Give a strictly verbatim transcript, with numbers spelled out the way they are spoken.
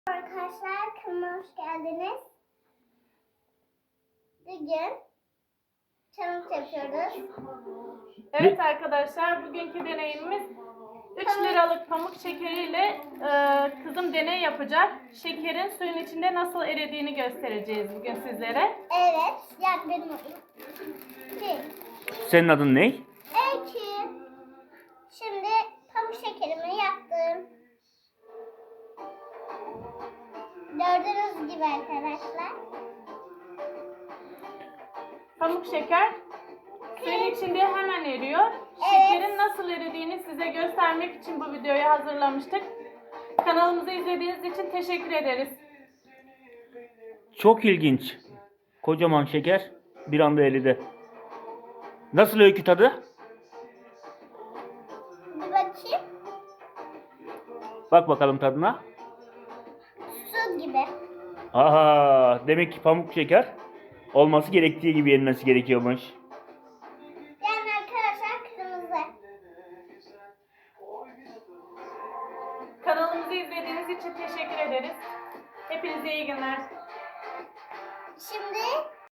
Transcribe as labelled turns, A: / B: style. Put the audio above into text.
A: Arkadaşlar kanalıma hoş geldiniz. Bugün challenge yapıyoruz.
B: Evet arkadaşlar, bugünkü deneyimimiz üç liralık pamuk şekeriyle e, kızım deney yapacak. Şekerin suyun içinde nasıl eridiğini göstereceğiz bugün sizlere.
A: Evet, yani benim adım. Bir.
C: Senin adın ne?
A: İki. Şimdi pamuk şekerimi yaptım. Gördüğünüz gibi arkadaşlar.
B: Pamuk şeker suyun içinde hemen eriyor. Şekerin nasıl eridiğini size göstermek için bu videoyu hazırlamıştık. Kanalımızı izlediğiniz için teşekkür ederiz.
C: Çok ilginç. Kocaman şeker bir anda eridi. Nasıl Öykü tadı?
A: Bir bakayım.
C: Bak bakalım tadına.
A: Su gibi.
C: Aha, demek ki pamuk şeker olması gerektiği gibi yenmesi gerekiyormuş.
A: Yani arkadaşlar kırmızı.
B: Kanalımızı izlediğiniz için teşekkür ederiz. Hepinize iyi günler.
A: Şimdi